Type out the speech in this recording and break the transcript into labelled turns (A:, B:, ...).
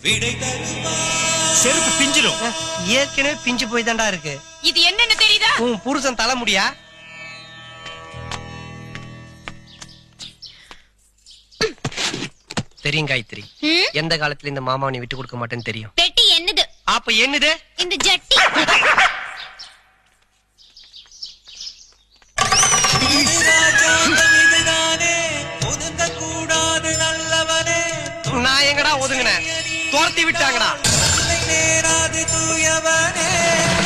A: செருப்பு பிஞ்சிரும்.
B: ஏற்கனவே பிஞ்சு போய் தான்டா இருக்கு.
C: இது என்னன்னு தெரியுதா?
B: உன் புருஷன் தலைமுடியா? தெரியும் காயத்ரி, எந்த காலத்துல இந்த மாமாவை நீ விட்டு கொடுக்க மாட்டேன்னு தெரியும்.
C: பெட்டி என்னது?
B: அப்ப என்னது?
C: இந்த ஜட்டி.
B: நான் எங்கடா ஒதுங்கினேன்? துரத்தி விட்டாங்கடா.